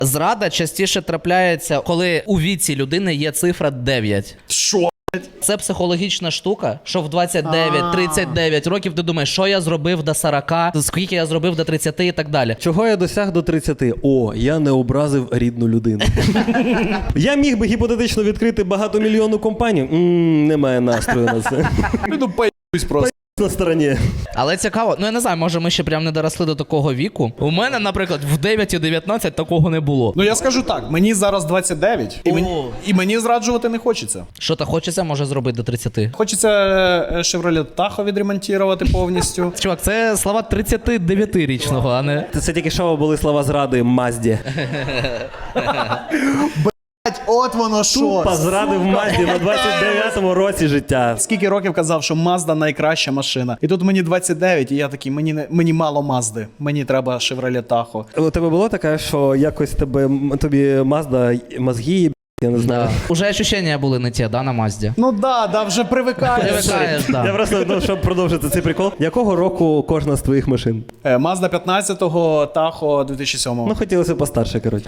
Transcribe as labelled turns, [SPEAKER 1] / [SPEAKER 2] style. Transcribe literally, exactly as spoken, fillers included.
[SPEAKER 1] Зрада частіше трапляється, коли у віці людини є цифра дев'ять.
[SPEAKER 2] Що?
[SPEAKER 1] Це психологічна штука, що в двадцять дев'ять тридцять дев'ять років ти думаєш, що я зробив до сорок, скільки я зробив до тридцяти і так далі.
[SPEAKER 3] Чого я досяг до тридцяти? О, я не образив рідну людину. Я міг би гіпотетично відкрити багатомільйонну компанію. Ммм, немає настрою на це.
[SPEAKER 2] Ну, поїбусь просто.
[SPEAKER 3] На стороні.
[SPEAKER 1] Але цікаво, ну я не знаю, може ми ще прям не доросли до такого віку. У мене, наприклад, в дев'ять і дев'ятнадцять такого не було.
[SPEAKER 2] Ну я скажу так, мені зараз двадцять дев'ять, і,
[SPEAKER 1] О.
[SPEAKER 2] мені, і мені зраджувати не хочеться.
[SPEAKER 1] Що то хочеться, може зробити до тридцяти.
[SPEAKER 2] Хочеться е, Chevrolet Tahoe відремонтувати повністю.
[SPEAKER 1] Чувак, це слова тридцятидев'ятирічного, а не...
[SPEAKER 3] Це тільки що були слова зради Мазді.
[SPEAKER 2] От воно що.
[SPEAKER 3] Тупо зрадив Мазді на двадцять дев'ятому році життя.
[SPEAKER 2] Скільки років казав, що Mazda найкраща машина. І тут мені двадцять дев'ять, і я такий, мені, не, мені мало Мазди. Мені треба Chevrolet Tahoe.
[SPEAKER 3] У тебе було таке, що якось тебе, тобі Мазда мозги, я не знаю.
[SPEAKER 1] Да. Уже ощущення були не ті, да, на Мазді?
[SPEAKER 2] Ну да, да, вже привикаєш.
[SPEAKER 1] Привикаєш,
[SPEAKER 3] Я
[SPEAKER 1] да.
[SPEAKER 3] просто, ну, щоб продовжити цей прикол. Якого року кожна з твоїх машин?
[SPEAKER 2] Е, Mazda п'ятнадцятого, Tahoe дві тисячі сьомого.
[SPEAKER 3] Ну, хотілося постарше, коротше.